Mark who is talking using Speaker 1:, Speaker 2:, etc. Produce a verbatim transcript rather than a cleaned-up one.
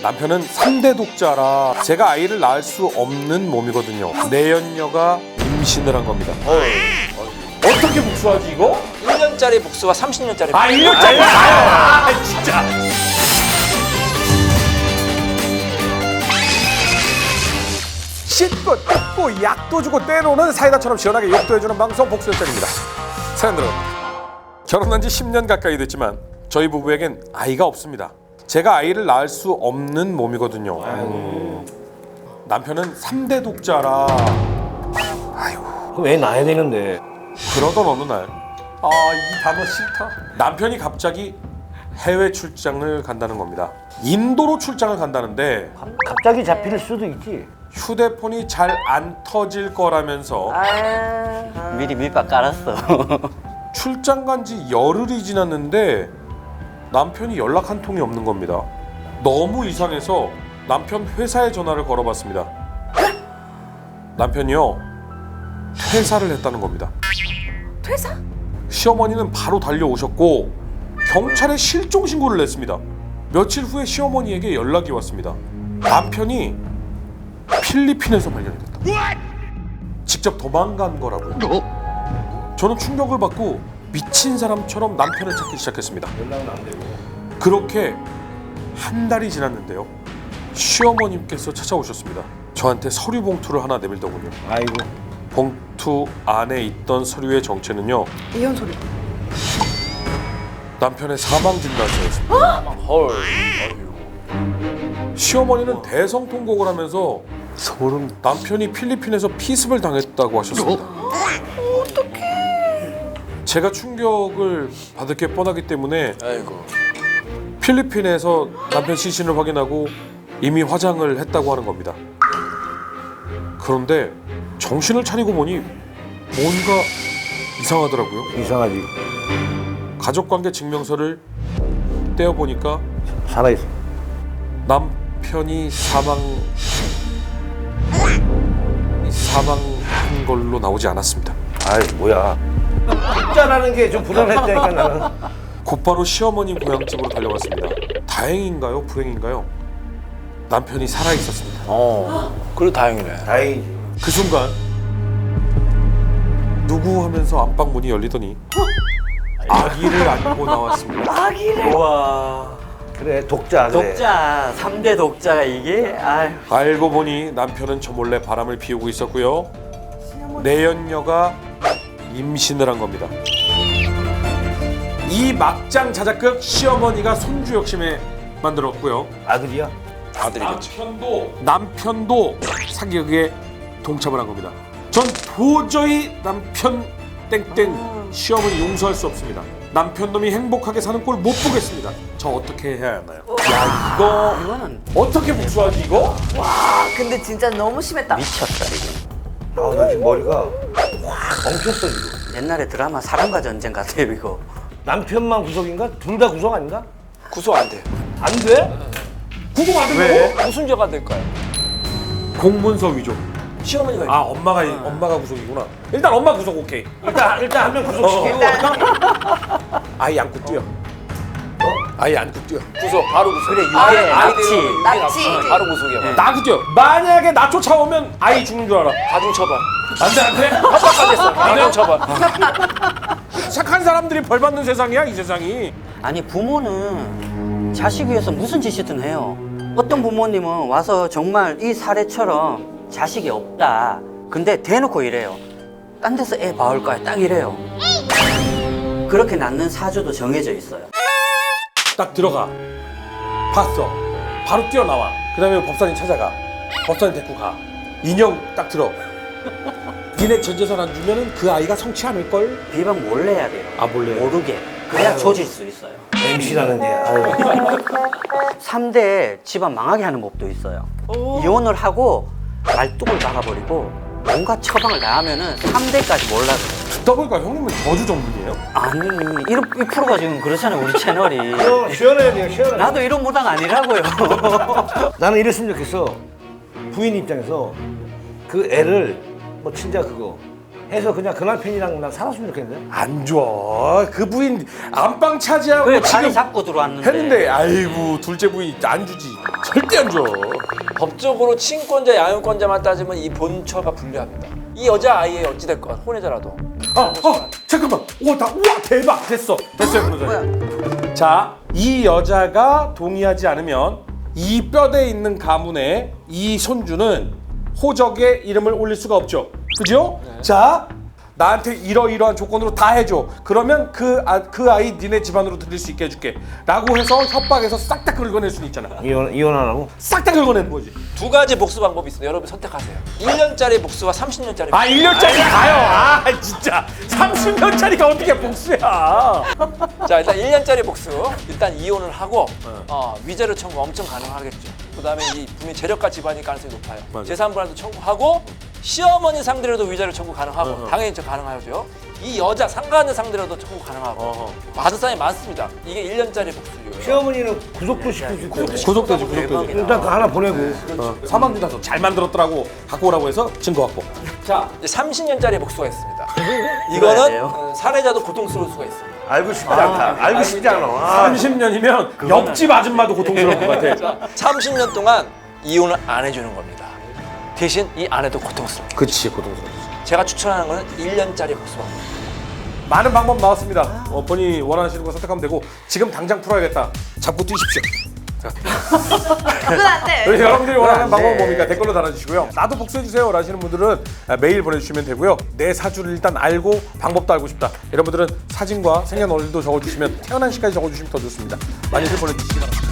Speaker 1: 남편은 삼 대 독자라 제가 아이를 낳을 수 없는 몸이거든요. 내연녀가 임신을 한 겁니다. 어떻게 복수하지 이거?
Speaker 2: 일 년짜리 복수와 삼십 년짜리
Speaker 1: 아 일 년짜리 아 진짜. 씻고 뜯고 약도 주고 때로는 사이다처럼 시원하게 욕도 해주는 방송 복수열전입니다. 사연 들어갑니다. 결혼한 지 십 년 가까이 됐지만 저희 부부에겐 아이가 없습니다. 제가 아이를 낳을 수 없는 몸이거든요. 음. 남편은 삼 대 독자라. 아이고.
Speaker 3: 그럼 애 낳아야 되는데.
Speaker 1: 그러던 어느 날, 아 이 단어 싫다. 남편이 갑자기 해외 출장을 간다는 겁니다. 인도로 출장을 간다는데
Speaker 3: 갑자기 잡힐 수도 있지.
Speaker 1: 휴대폰이 잘 안 터질 거라면서
Speaker 4: 미리 밑밥 깔았어.
Speaker 1: 출장 간 지 열흘이 지났는데 남편이 연락 한 통이 없는 겁니다. 너무 이상해서 남편 회사에 전화를 걸어봤습니다. 남편이요 퇴사를 했다는 겁니다.
Speaker 5: 퇴사?
Speaker 1: 시어머니는 바로 달려오셨고 경찰에 실종 신고를 냈습니다. 며칠 후에 시어머니에게 연락이 왔습니다. 남편이 필리핀에서 발견이 됐다. 직접 도망간 거라고요. 저는 충격을 받고 미친 사람처럼 남편을 찾기 시작했습니다. 그렇게 한 달이 지났는데요. 시어머님께서 찾아오셨습니다. 저한테 서류 봉투를 하나 내밀더군요.
Speaker 3: 아이고.
Speaker 1: 봉투 안에 있던 서류의 정체는요.
Speaker 5: 이혼 소리.
Speaker 1: 남편의 사망 진단서였습니다.
Speaker 2: 헐.
Speaker 1: 시어머니는 대성통곡을 하면서
Speaker 3: 소름.
Speaker 1: 남편이 필리핀에서 피습을 당했다고 하셨습니다.
Speaker 5: 어떡해.
Speaker 1: 제가 충격을 받을 게 뻔하기 때문에
Speaker 2: 아이고.
Speaker 1: 필리핀에서 남편 시신을 확인하고 이미 화장을 했다고 하는 겁니다. 그런데 정신을 차리고 보니 뭔가 이상하더라고요.
Speaker 3: 이상하지.
Speaker 1: 가족관계 증명서를 떼어보니까
Speaker 3: 살아있어.
Speaker 1: 남편이 사망 사망한 걸로 나오지 않았습니다.
Speaker 3: 아이 뭐야. 숫자라는 게 좀 불안했다니까 나는.
Speaker 1: 곧바로 시어머님 고향집으로 달려갔습니다. 다행인가요? 불행인가요? 남편이 살아 있었습니다.
Speaker 2: 어. 그래도 다행이네.
Speaker 3: 다행이지.
Speaker 1: 그 순간 누구 하면서 안방 문이 열리더니 아기를 안고 나왔습니다.
Speaker 5: 아기를.
Speaker 2: 우와.
Speaker 3: 그래 독자 그래.
Speaker 4: 독자, 삼 대 독자가 이게 아유.
Speaker 1: 알고 보니 남편은 저 몰래 바람을 피우고 있었고요. 내연녀가 임신을 한 겁니다. 이 막장 자작극 시어머니가 손주 욕심에 만들었고요.
Speaker 3: 아들이야?
Speaker 2: 아들이겠지.
Speaker 1: 남편도 남편도 사기극에 동참을 한 겁니다. 전 도저히 남편 땡땡 시어머니 용서할 수 없습니다. 남편 놈이 행복하게 사는 꼴 못 보겠습니다. 저 어떻게 해야 하나요? 야 이거
Speaker 4: 이거는
Speaker 1: 어떻게 복수하지 이거?
Speaker 5: 와, 근데 진짜 너무 심했다.
Speaker 4: 미쳤다 이게.
Speaker 3: 아 나 지금 머리가 확 엉켰어 지금.
Speaker 4: 옛날에 드라마 사랑과 전쟁 같아요 이거.
Speaker 3: 남편만 구속인가? 둘 다 구속 아닌가?
Speaker 2: 구속 안 돼.
Speaker 3: 안 돼?
Speaker 1: 구속 안 된다고?
Speaker 2: 왜? 무슨 죄가 될까요?
Speaker 1: 공문서 위조.
Speaker 2: 시어머니가
Speaker 1: 아 엄마가 엄마가 구속이구나. 일단 엄마 구속 오케이.
Speaker 3: 일단 일단 한 명 구속시키고.
Speaker 1: 아이 안고 뛰어. 아이 안고 뛰어.
Speaker 2: 구속 바로 구속.
Speaker 4: 그래, 유괴,
Speaker 2: 아이-
Speaker 4: 납치.
Speaker 2: 아이들 유괴
Speaker 5: 납치.
Speaker 2: 납치. 바로 구속이야.
Speaker 1: 나 안고 뛰어. 만약에 나 쫓아오면 아이 죽는 줄 알아.
Speaker 2: 가중 처벌.
Speaker 1: 안돼 안돼.
Speaker 2: 협박까지 했어. 가중 처벌.
Speaker 1: 착한 사람들이 벌 받는 세상이야 이 세상이.
Speaker 4: 아니 부모는 자식 위해서 무슨 짓이든 해요. 어떤 부모님은 와서 정말 이 사례처럼 자식이 없다. 근데 대놓고 이래요. 딴 데서 애 봐올 거야. 딱 이래요. 그렇게 낳는 사주도 정해져 있어요.
Speaker 1: 딱 들어가. 봤어. 바로 뛰어나와. 그 다음에 법사님 찾아가. 법사님 데리고 가. 인형 딱 들어. 니네 전 재산 안 주면은 그 아이가 성취 않을걸?
Speaker 4: 비방 몰래 해야 돼요.
Speaker 1: 아 몰래.
Speaker 4: 모르게. 그래야 조질 수 있어요.
Speaker 3: 엠씨라는 게. 아유.
Speaker 4: 삼 대 집안 망하게 하는 법도 있어요. 이혼을 하고 말뚝을 박아버리고 온갖 처방을 다 하면은 삼 대까지 몰라요.
Speaker 1: 듣다 보니까 형님은 저주 전문이에요?
Speaker 4: 아니 이런 이 프로가 지금 그렇잖아요 우리 채널이.
Speaker 3: 어, 시원해야 돼요 시원해.
Speaker 4: 나도 이런 무당 아니라고요.
Speaker 3: 나는 이랬으면 좋겠어. 부인 입장에서 그 애를 뭐 진짜 그거 해서 그냥 그 남편이랑 난 살았으면 좋겠는데.
Speaker 1: 안 좋아. 그 부인 안방 차지하고
Speaker 4: 그래 자리
Speaker 1: 지금
Speaker 4: 잡고 들어왔는데.
Speaker 1: 했는데 아이고 둘째 부인 안 주지. 절대 안 줘.
Speaker 2: 법적으로 친권자, 양육권자만 따지면 이 본처가 불리합니다. 이 여자 아이의 어찌됐건 혼외자라도
Speaker 1: 아, 아 잠깐만. 오, 다, 우와 대박 됐어. 됐어요 변호사님. 자, 이 여자가 동의하지 않으면 이 뼈대에 있는 가문의 이 손주는 호적에 이름을 올릴 수가 없죠. 그죠? 자, 나한테 이러이러한 조건으로 다 해줘. 그러면 그, 아, 그 아이 니네 집안으로 들일 수 있게 해줄게. 라고 해서 협박해서 싹 다 긁어낼 수는 있잖아.
Speaker 3: 이혼 이혼 안 하고.
Speaker 1: 싹 다 긁어내는 거지.
Speaker 2: 두 가지 복수 방법이 있습니다. 여러분 선택하세요. 일 년짜리 복수와 삼십 년짜리
Speaker 1: 아, 일 년짜리 가요. 아, 진짜. 삼십 년짜리가 어떻게 복수야.
Speaker 2: 자, 일단 일 년짜리 복수. 일단 이혼을 하고 어, 위자료 청구 엄청 가능하겠죠. 그다음에 이 분명 재력가 집안일 가능성이 높아요.
Speaker 1: 맞아요.
Speaker 2: 재산분할도 청구하고 시어머니 상대로도 위자료 청구 가능하고 당연히 저 가능하죠. 이 여자 상가하는 상대로도 청구 가능하고
Speaker 1: 어허.
Speaker 2: 받은 사람이 많습니다. 이게 일 년짜리 복수예요.
Speaker 3: 시어머니는 구속도 시킬 수 있대.
Speaker 1: 구속되지, 구속되지.
Speaker 3: 일단 그 하나 보내고.
Speaker 1: 어, 사망주단서 잘 만들었더라고. 갖고 오라고 해서 증거 확보.
Speaker 2: 자, 이제 삼십 년짜리 복수가 있습니다.
Speaker 4: 돼요?
Speaker 2: 이거는 어, 살해자도 고통스러울 수가 있습니다.
Speaker 3: 알고 싶지 않다. 알고 싶지 않아. 아.
Speaker 1: 삼십 년이면 옆집 아줌마도 고통스러울 것 같아.
Speaker 2: 삼십 년 동안 이혼을 안 해주는 겁니다. 대신 이 아내도 고통스럽게.
Speaker 1: 그치, 고통스럽지.
Speaker 2: 제가 추천하는 거는 일 년짜리 복수입니다.
Speaker 1: 많은 방법 나왔습니다. 어, 본인이 원하시는 거 선택하면 되고 지금 당장 풀어야겠다. 잡고 뛰십시오. 자,
Speaker 5: 그건 안 돼.
Speaker 1: 그래서 여러분들이 원하는
Speaker 3: 안
Speaker 1: 방법은
Speaker 3: 돼.
Speaker 1: 뭡니까? 댓글로 달아주시고요. 나도 복수해주세요 라시는 분들은 메일 보내주시면 되고요. 내 사주를 일단 알고 방법도 알고 싶다. 여러분들은 사진과 생년월일도 적어주시면 태어난 시까지 적어주시면 더 좋습니다. 많이들 보내주시기 바랍니다.